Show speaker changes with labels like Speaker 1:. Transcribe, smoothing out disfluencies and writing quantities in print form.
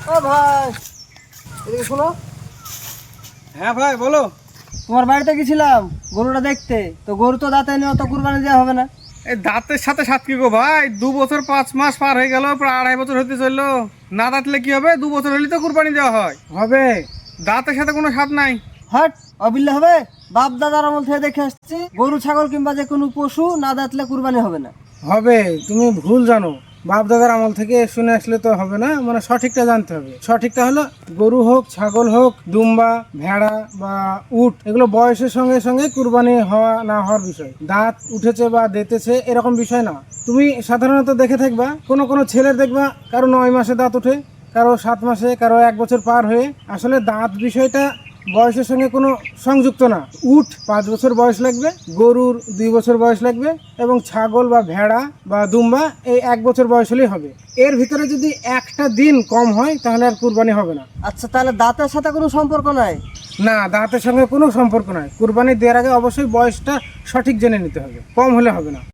Speaker 1: ও ভাই, এদিকে শোনো।
Speaker 2: হ্যাঁ ভাই বলো।
Speaker 1: তোমার বাড়িতে গেছিলাম গরুটা দেখতে, তো গরু তো দাঁতে নেই, অত কুরবানি দেওয়া হবে না।
Speaker 2: এই দাঁতের সাথে সাত কি গো ভাই, 2 বছর 5 মাস পার হয়ে গেল, প্রায় 2.5 বছর হতে চললো। না দাঁতলে কি হবে? 2 বছর হলে তো কুরবানি দেওয়া হয়।
Speaker 1: হবে।
Speaker 2: দাঁতের সাথে কোনো স্বাদ নাই।
Speaker 1: হট, অবিল্লে হবে। বাপ দাদার আমল থেকে দেখে আসছি, গরু ছাগল কিংবা যে কোনো পশু না দাঁতলে কুরবানি হবে না।
Speaker 3: হবে, তুমি ভুল জানো। বাপ দাদার আমল থেকে শুনে আসলে তো হবে না, মানে সঠিকটা জানতে হবে। সঠিকটা হলো গরু হোক, ছাগল হোক, দুম্বা, ভেড়া বা উট, এগুলো বয়সের সঙ্গে সঙ্গে কুরবানি হওয়া না হওয়ার বিষয়। দাঁত উঠেছে বা দেতেছে এরকম বিষয় না। তুমি সাধারণত দেখে থাকবা, কোনো কোনো ছেলের দেখবা কারো 9 মাসে দাঁত ওঠে, কারো 7 মাসে, কারো 1 বছর পার হয়ে। আসলে দাঁত বিষয়টা বয়সের সঙ্গে কোনো সংযুক্ত না। উট 5 বছর বয়স লাগবে, গরুর 2 বছর বয়স লাগবে, এবং ছাগল বা ভেড়া বা দুম্বা এই 1 বছর বয়স হলেই হবে। এর ভিতরে যদি একটা দিন কম হয় তাহলে আর কুরবানি হবে না।
Speaker 1: আচ্ছা, তাহলে দাঁতের সাথে কোনো সম্পর্ক নাই?
Speaker 3: না, দাঁতের সঙ্গে কোনো সম্পর্ক নাই। কুরবানি দেওয়ার আগে অবশ্যই বয়সটা সঠিক জেনে নিতে হবে, কম হলে হবে না।